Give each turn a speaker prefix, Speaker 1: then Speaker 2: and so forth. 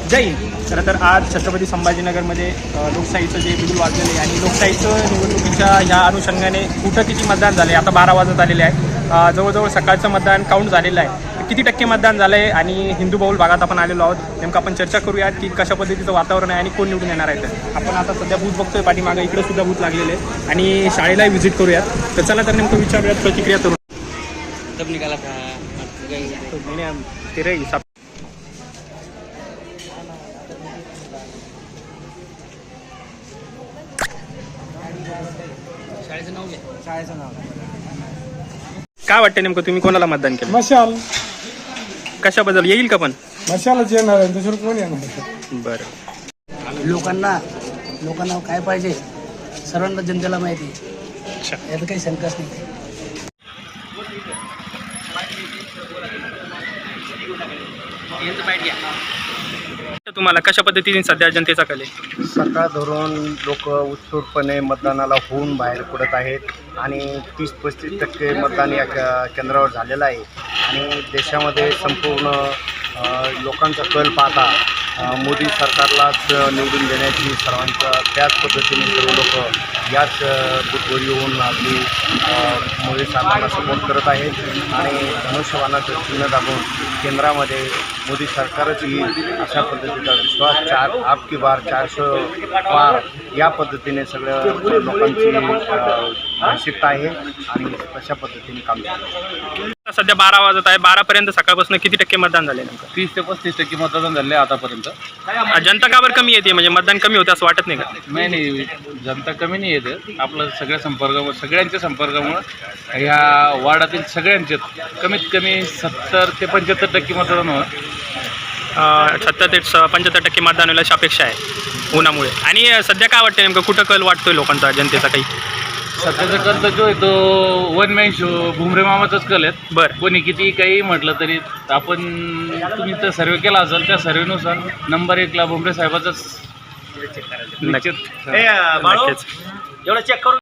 Speaker 1: जय हिंद. खरं तर आज छत्रपती संभाजीनगरमध्ये लोकशाहीचं जे बिगुल वाजलेलं आहे आणि लोकशाहीचं निवडणुकीच्या ह्या अनुषंगाने कुठं किती मतदान झाले आता 12 वाजत आलेले आहे. जवळजवळ सकाळचं मतदान काउंट झालेलं आहे. किती टक्के मतदान झालं आहे आणि हिंदू बहुल भागात आपण आलेलो आहोत. नेमकं आपण चर्चा करूयात की कशा पद्धतीचं वातावरण आहे आणि कोण निवडून येणार आहे. तर आपण आता सध्या बूथ बघतोय पाठीमागं, इकडे सुद्धा बूथ लागलेले आहे आणि शाळेलाही व्हिजिट करूयात. तर चला तर नेमकं विचारूयात प्रतिक्रिया करून.
Speaker 2: तब निकाला था
Speaker 1: तेरे हिसाब
Speaker 2: शाळेचं नाव घे. शाळेचं नाव
Speaker 1: काय वाटतं नेमकं तुम्ही कोणाला मतदान केलं?
Speaker 3: मशाल
Speaker 1: कशाबद्दल येईल का पण?
Speaker 3: मशालच येणार आहे, दुसरं कोण येणार?
Speaker 1: बरं.
Speaker 2: लोकांना काय पाहिजे सर्वांना जनतेला माहिती आहे.
Speaker 1: अच्छा.
Speaker 2: यात काही शंकाच नाही.
Speaker 1: तुम्हाला कशा पद्धतीने सध्या जनतेचा कल आहे?
Speaker 4: सकाळ धरून लोक उत्स्फूर्तपणे मतदानाला होऊन बाहेर पडत आहेत आणि 30-35% मतदान या केंद्रावर झालेलं आहे. आणि देशामध्ये संपूर्ण लोकांचा कल पाहता मोदी सरकारलाच निवडून देण्याची सर्वांचा त्याच पद्धतीने सर्व लोक याच बूथवर येऊन आपली मोदी सरकारला सपोर्ट करत आहेत आणि धनुष्यबाणाचं चिन्ह दाबून केंद्रामध्ये मोदी सरकारच येईल अशा पद्धतीचा विश्वास 4 आपकी बार 400 पार या पद्धतीने सगळ्या लोकांची मानसिकता आहे आणि तशा पद्धतीने काम चालू.
Speaker 1: सध्या 12 वाजत आहे. 12 पर्यंत सकाळपासून किती टक्के मतदान झाले नेमकं?
Speaker 5: 30 ते 35% मतदान झाले आतापर्यंत.
Speaker 1: जनता का बरं कमी येते? म्हणजे मतदान कमी होते असं वाटत नाही का?
Speaker 5: नाही, जनता कमी नाही येते. आपलं सगळ्यांच्या संपर्कामुळं ह्या वार्डातील सगळ्यांचे कमीत कमी 70 ते 75% मतदान होणार.
Speaker 1: 70 ते 75% मतदान होईल अशी अपेक्षा आहे उन्हामुळे. आणि सध्या काय वाटतं नेमकं कुठं कल वाटतोय लोकांचा, जनतेचा काही?
Speaker 5: सध्याचा कल तर जो आहे तो वन मॅन शो भुमरे मामाचाच कल आहेत.
Speaker 1: बरं.
Speaker 5: कोणी किती काही म्हटलं तरी आपण तुम्ही तर सर्वे केला असेल त्या सर्वेनुसार नंबर 1ला भुमरे साहेबाचाच
Speaker 1: नक्कीच.
Speaker 5: निश्चित.
Speaker 1: नक्कीच.